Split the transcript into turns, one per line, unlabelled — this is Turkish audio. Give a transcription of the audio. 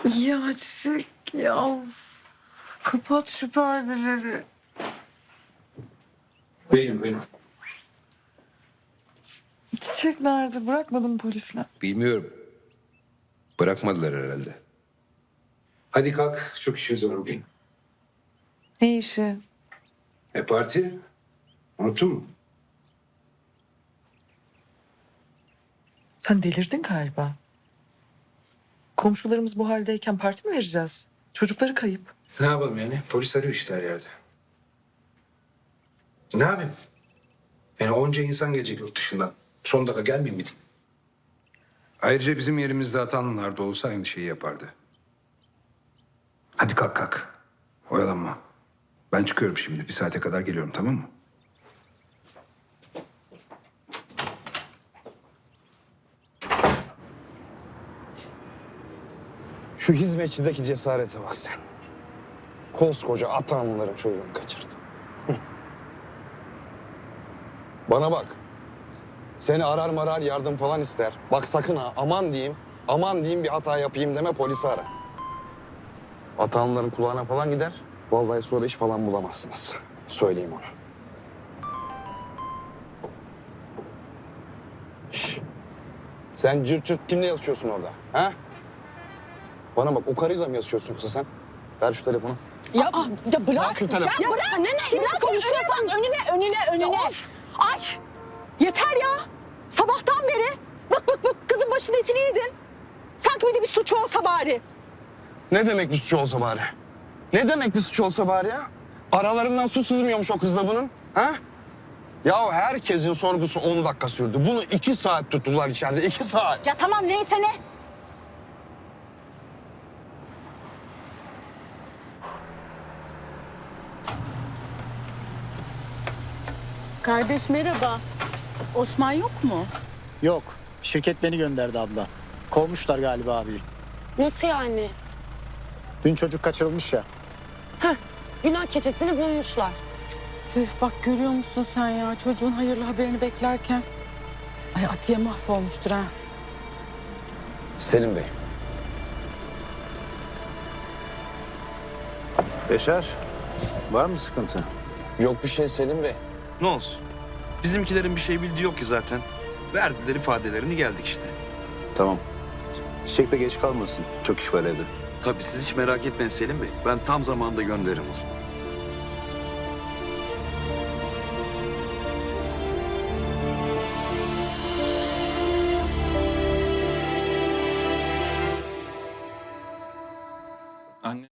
Ya Çiçek ya. Kapat şu perdeleri.
Benim.
Çiçek nerede? Bırakmadın mı polisler?
Bilmiyorum. Bırakmadılar herhalde. Hadi kalk. Çok işimiz var bugün.
Ne işi?
Parti. Unuttun mu?
Sen delirdin galiba. Komşularımız bu haldeyken parti mi vereceğiz? Çocukları kayıp.
Ne yapalım yani? Polis arıyor işte her yerde. Ne yapayım? Yani onca insan gelecek yurt dışından. Son dakika gelmeyeyim mi diyeyim? Ayrıca bizim yerimizde Atanlılar da olsa aynı şeyi yapardı. Hadi kalk. Oyalanma. Ben çıkıyorum şimdi. Bir saate kadar geliyorum, tamam mı?
Şu hizmetçideki cesarete bak sen. Koskoca Atanlıların çocuğunu kaçırdı. Bana bak. Seni arar marar yardım falan ister. Bak sakın ha aman diyeyim bir hata yapayım deme polisi ara. Atanlıların kulağına falan gider. Vallahi sonra iş falan bulamazsınız. Söyleyeyim onu. Şş. Sen cırt cırt kimle yazışıyorsun orada? Ha? Bana bak o karıyla mı yazışıyorsun yoksa sen? Ver şu telefonu.
Ya bırak.
Bırak şu telefonu.
Ya bırak. Ne konuşuyorsan önüne. Ay yeter ya. Sabahtan beri bak kızın başının etini yedin. Sanki bir suç olsa bari.
Ne demek bir suçu olsa bari? Ne demek bir suçu olsa bari ya? Aralarından su sızmıyormuş o kızla bunun. Ha? Ya herkesin sorgusu 10 dakika sürdü. Bunu 2 saat tuttular içeride. 2 saat.
Ya tamam neyse ne.
Kardeş merhaba. Osman yok mu?
Yok. Şirket beni gönderdi abla. Kovmuşlar galiba abi.
Nasıl yani?
Dün çocuk kaçırılmış ya.
Günah keçesini bulmuşlar.
Tüh bak görüyor musun sen ya çocuğun hayırlı haberini beklerken. Ay Atiye mahvolmuştur ha.
Selim Bey.
Beşer, var mı sıkıntı?
Yok bir şey Selim Bey.
Ne olsun? Bizimkilerin bir şey bildiği yok ki zaten. Verdiler ifadelerini geldik işte.
Tamam. Çiçek de geç kalmasın. Çok iş var evde.
Tabii siz hiç merak etmeyin Selim Bey. Ben tam zamanında gönderirim onu. Anne.